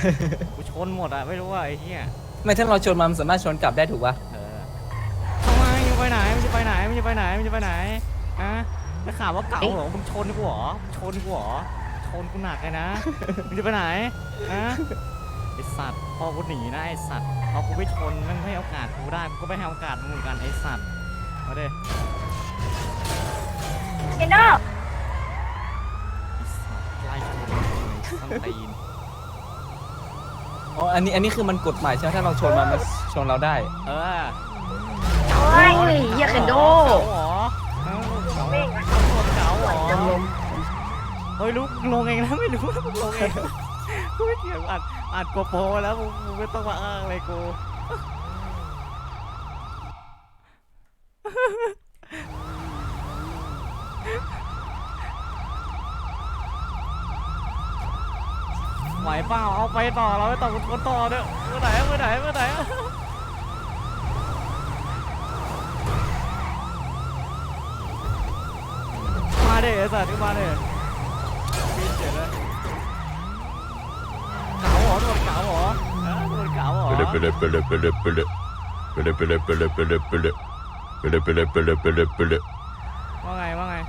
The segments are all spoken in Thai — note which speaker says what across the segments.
Speaker 1: กูชนหมดอะไม่รู้ว่าไอ้เหี้ย
Speaker 2: ไม่ถ้าเราชนมันสามารถชนกลับได้ถูกปะ
Speaker 1: ทำไมมึงไปไหนมึงจะไปไหนมึงจะไปไหนมึงจะไปไหนฮะได้ข่าวว่าเก่าเหรอมึงชนกูเหรอชนกูเหรอชนกูหนักเลยนะมึงจะไปไหนฮะไอสัตว์พอกูหนีนะไอสัตว์พอกูไม่ชนมันไม่ให้โอกาสกูได้กูก็ไม่ให้โอกาสมึงเหมือนกันไอสัตว์มาดิ
Speaker 3: เจนโด
Speaker 1: ไอสัตว์ไล่ชนส้นตีน
Speaker 2: อ๋ออันนี้คือมันกฎหมายใช่ไหมถ้าเราชนมันชนเราได้
Speaker 1: เออ
Speaker 3: โอ้ยเฮียเคนโด
Speaker 1: เก่าเหรอเก่าเหรอเฮ้ยลุกลงเองนะไม่รู้นะมึงลงเองกูไม่เกี่ยวอัดโกโปรแล้วมึงไม่ต้องมาอ้างเลยกูไหวเปล่าเอาไปต่อเราไปต่อคนต่อเด้อเมื่อไหร่มาเด้ไอ้สัตว์มาเด้บินเจ๋งเลยเก๋าเหรอโดนเก๋าเหรอโดนเก๋าเหรอ ว่าไง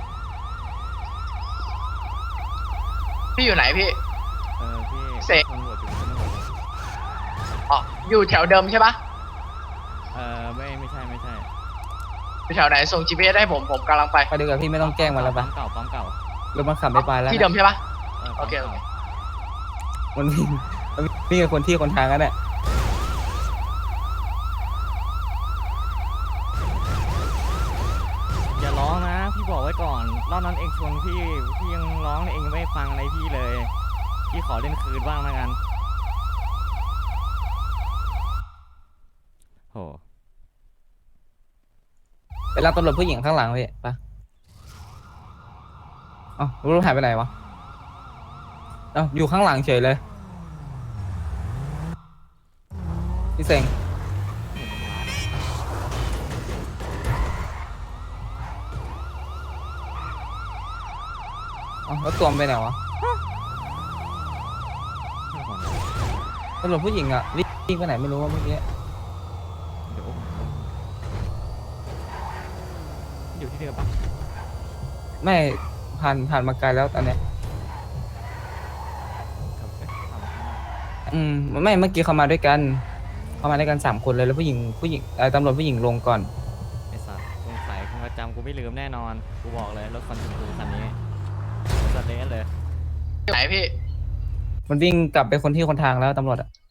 Speaker 4: พี่อยู่ไหนพี่
Speaker 1: พี่
Speaker 4: เสก
Speaker 1: ตำรวจอยู่ตำรวจ
Speaker 4: อ๋อ อยู่แถวเดิมใช่ปะ
Speaker 1: ไม่ใช่
Speaker 4: อยู่แถวไหนส่ง GPS ให้ผมกำลังไป
Speaker 2: ไปดีกว่าพี่ไม่ต้องแกล้งมันแล้วปะ
Speaker 1: ปั๊มเก่าร
Speaker 2: ถมันขับไม่ไปแล้ว
Speaker 4: ที่เดิมใช่ปะ โอเค
Speaker 2: มันวิ่งกับคนที่คนทางกันแหละ
Speaker 1: อย่าร้องนะพี่บอกไว้ก่อนรอบนั้นเองชนพี่ยังร้องเลยเองไม่ฟังอะไรพี่เลยพี่ขอเล่นคืนบ้างนะกันโห
Speaker 2: ไปรับตำรวจผู้หญิงข้างหลังพี่ปะเอ้ารถหายไปไหนวะเอ้าอยู่ข้างหลังเฉยเลยพี่เซ็งเอ้าแล้วตัวมันไปไหนวะตำรวจผู้หญิงอ่ะวิ่งไปไหนไม่รู้ว่าเมื่อกี้
Speaker 1: เดี๋ยวอยู่ที่เดิมปะ
Speaker 2: ไม่ผ่านมาไกลแล้วตอนเนี้ย
Speaker 1: ครับ
Speaker 2: ไม่เมื่อกี้เขามาด้วยกัน3 คนเลยแล้วผู้หญิงตำรวจผู้หญิงลงก่อน
Speaker 1: ไอ้สัตว์สงสัยคงจำกูไม่ลืมแน่นอนกูบอกเลยรถคันชมพูคันนี้สเตนเลย
Speaker 4: ไหนพี่
Speaker 2: มันวิ่งกลับไปคนที่คนทางแล้วตำรวจอ่ะ